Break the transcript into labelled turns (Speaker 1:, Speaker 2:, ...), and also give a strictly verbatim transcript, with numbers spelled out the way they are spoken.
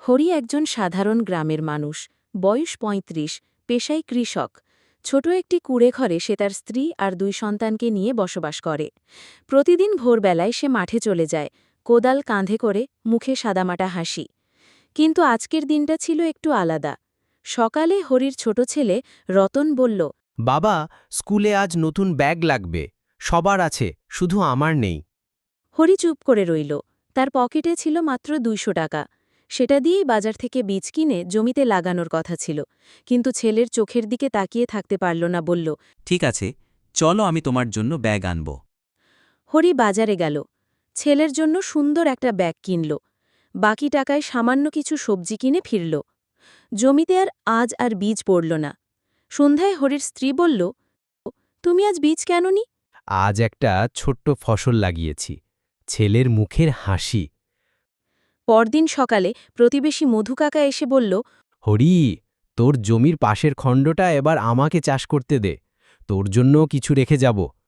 Speaker 1: হরি একজন সাধারণ গ্রামের মানুষ, বয়স পঁয়ত্রিশ, পেশায় কৃষক। ছোট একটি কুঁড়েঘরে সে তার স্ত্রী আর দুই সন্তানকে নিয়ে বসবাস করে। প্রতিদিন ভোরবেলায় সে মাঠে চলে যায়, কোদাল কাঁধে করে, মুখে সাদামাটা হাসি। কিন্তু আজকের দিনটা ছিল একটু আলাদা। সকালে হরির ছোট ছেলে রতন বলল,
Speaker 2: বাবা, স্কুলে আজ নতুন ব্যাগ লাগবে। সবার আছে, শুধু আমার নেই।
Speaker 1: হরি চুপ করে রইল। তার পকেটে ছিল মাত্র দুইশো টাকা। সেটা দিয়েই বাজার থেকে বীজ কিনে জমিতে লাগানোর কথা ছিল, কিন্তু ছেলের চোখের দিকে তাকিয়ে থাকতে পারল না, বলল,
Speaker 3: ঠিক আছে, চলো আমি তোমার জন্য ব্যাগ আনব।
Speaker 1: হরি বাজারে গেল, ছেলের জন্য সুন্দর একটা ব্যাগ কিনল। বাকি টাকায় সামান্য কিছু সবজি কিনে ফিরল। জমিতে আর আজ আর বীজ পড়ল না। সন্ধ্যায় হরির স্ত্রী বলল, তুমি আজ বীজ কেননি?
Speaker 2: আজ একটা ছোট্ট ফসল লাগিয়েছি। ছেলের মুখের হাসি।
Speaker 1: পরদিন সকালে প্রতিবেশী মধু কাকা এসে বলল,
Speaker 2: হরি, তোর জমির পাশের খণ্ডটা এবার আমাকে চাষ করতে দে। তোর জন্য কিছু রেখে যাব।